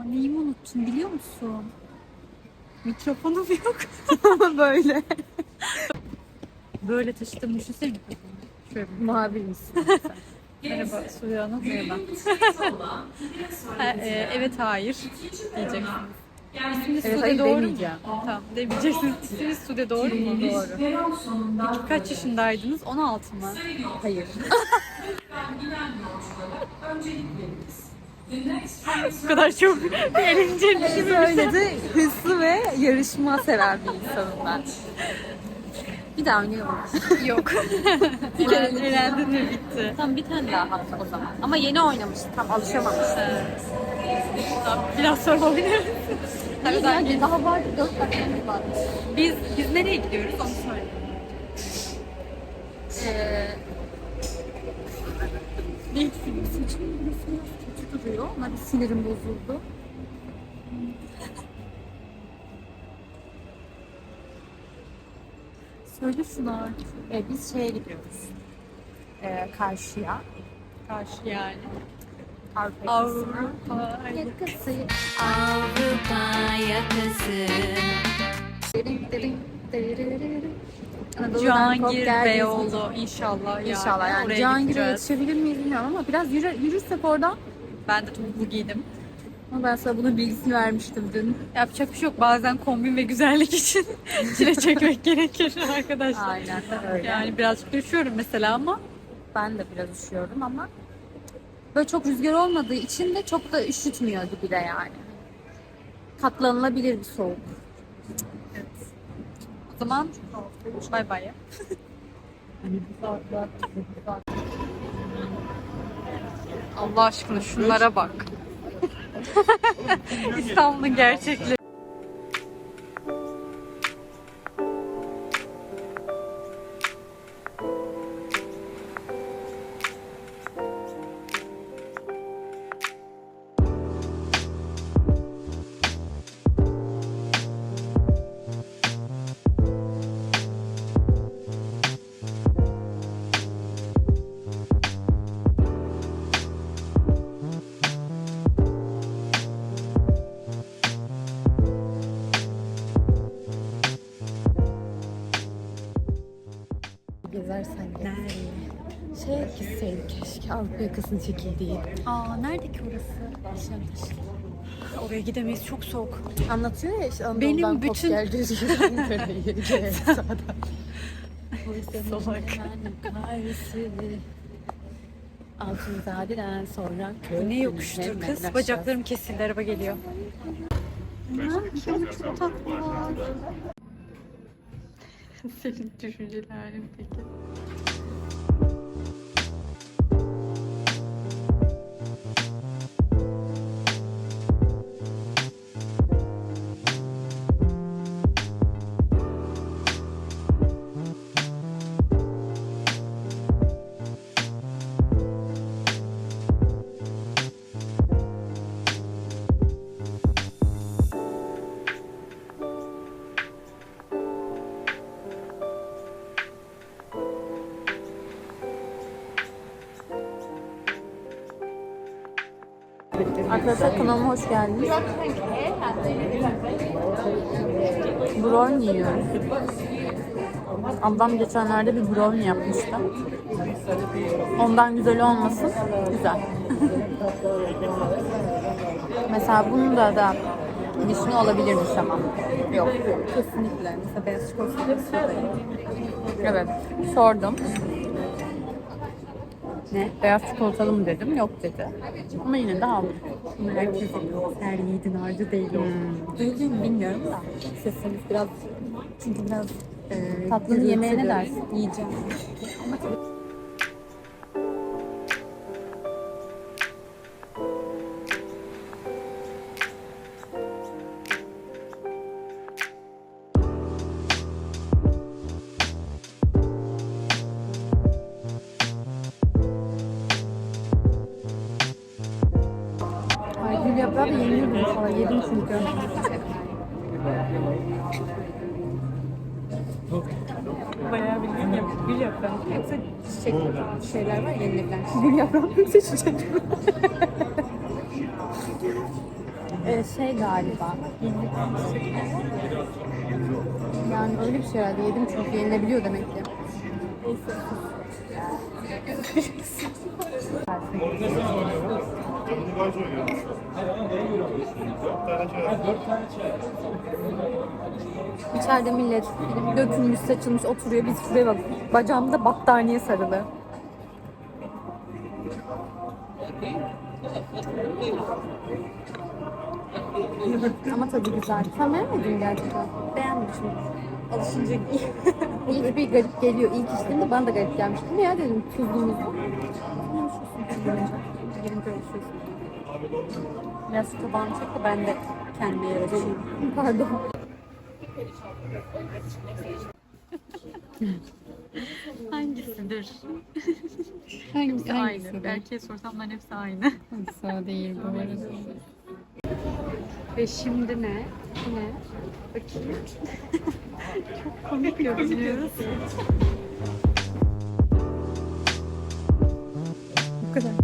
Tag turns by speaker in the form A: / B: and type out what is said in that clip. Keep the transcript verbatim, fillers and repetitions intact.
A: neyimi unuttun biliyor musun? Mikrofonum yok. Ama böyle. Böyle taşıdığımı düşünsene mikrofonu. Şöyle bir
B: Muhabir misin?
A: merhaba Sude Hanım. Merhaba. ha, e, evet hayır diyeceksiniz. İsminiz
B: Evet,
A: Sude
B: hayır
A: doğru mu?
B: demeyeceğim.
A: Tamam demeyeceksiniz. İsminiz Sude doğru mu?
B: Doğru.
A: Peki kaç yaşındaydınız? on altı mı?
B: Hayır.
A: Bu kadar çok eğlenceli bir şey
B: Böyle de hırslı ve yarışma seven bir insanım ben. Bir daha oynayalım.
A: yok.
B: Bir kere
A: Elen- Elendin mi bitti?
B: Tam bir tane daha hatta o zaman. Ama yeni oynamıştım. Tam alışamamıştım.
A: Tamam, biraz sonra oynarız.
B: Tabii
A: Hadi
B: yani daha var. Dört dakikamız var.
A: Biz biz nereye gidiyoruz onu söyle.
B: Ee,
A: Ne film?
B: saçımın burası biraz kötü duruyor. Ama bir sinirim bozuldu.
A: Söyle şunu artık.
B: Ee, biz şeye gidiyoruz. Ee, karşıya.
A: Karşı yani.
B: Avrupa yakasına.
A: Avrupa.
B: Yakası.
C: Avrupa yakası.
B: Derin derin derin. Anadolu'dan kop
A: Cihangir
B: gel
A: Beyoğlu inşallah yani.
B: İnşallah yani.
A: Oraya
B: Cihangir'e
A: gideceğiz.
B: yetişebilir miyiz bilmiyorum ama biraz yürü, yürürsek oradan.
A: Ben de topuklu giydim.
B: Ama ben sana bunun bilgisini vermiştim dün.
A: Yapacak bir şey yok. Bazen kombin ve güzellik için çile çekmek gerekir arkadaşlar.
B: Aynen öyle.
A: Yani birazcık düşüyorum mesela ama
B: Ben de biraz üşüyorum ama böyle çok rüzgar olmadığı için de çok da üşütmüyor gibi de yani. Katlanılabilir bir soğuk.
A: o zaman bay bay ya. Allah aşkına şunlara bak. İstanbul'un gerçekleri.
B: Gezersen gez. Şey gitseydik keşke Avrupa yakasının çekildiği.
A: Aa nerede ki orası?
B: Nişantaşı.
A: Oraya gidemeyiz çok soğuk.
B: Anlatıyor ya işte
A: Benim
B: Anadolu'dan kop
A: bütün-
B: gel düz yürü Ankara'yı gel sağdan.
A: Salak.
B: Altınzade'den sonra
A: Bu ne yokuştur kız? Bacaklarım kesildi, araba geliyor. Çok tatlılar. Senin düşüncelerin peki?
B: Arkadaşlar kanalıma hoş geldiniz. Brownie yiyoruz. Ablam geçenlerde bir brownie yapmıştı. Ondan güzel olmasın, güzel. Mesela bunun da da vişne olabilirmiş ama. Yok. Kesinlikle. Mesela beyaz çikolata. Evet. Sordum. Ne? Beyaz çikolatalı mı dedim. Yok dedi. Ama yine de aldım.
A: Herkes her yiğidin harcı değil o.
B: Hmm. Duyuluyor mu bilmiyorum da.
A: Sesiniz biraz çünkü biraz e,
B: Tatlının
A: gürültülü.
B: yemeğe ne dersin?
A: Yiyeceğim.
B: Ay gül yaprağı da yeniyordum sana. Yedim çünkü.
A: Bayağı bildiğin yap, gül yaprağı mı yoksa çiçek
B: Şeyler var yenilebilen.
A: gül yaprağı mı yoksa çiçek mi?
B: Ee, şey galiba. Yani öyle bir şey herhalde. Yedim çünkü yenilebiliyor demek ki. İçeride millet dökülmüş, saçılmış oturuyor. Biz şuraya bak. Bacağımda battaniye sarılı. Ama tadı güzel. Sen beğenmedin gerçekten.
A: Beğenmişim. Alışınca
B: İlk bir garip geliyor. İlk içtiğimde bana da garip gelmişti. Ne ya dedim tuzlu muzlu.
A: gelince alışıyorsun. Biraz şu tabağını çek de ben de kendi yaratayım.
B: Pardon.
A: Hangisidir?
B: Hangisi?
A: Aynı. Belki sorsam bunların hepsi aynı.
B: Sağ değil bu arada.
A: Ve şimdi ne? Bu ne? Bakayım. Çok komik görünüyoruz.
B: Bu kadar.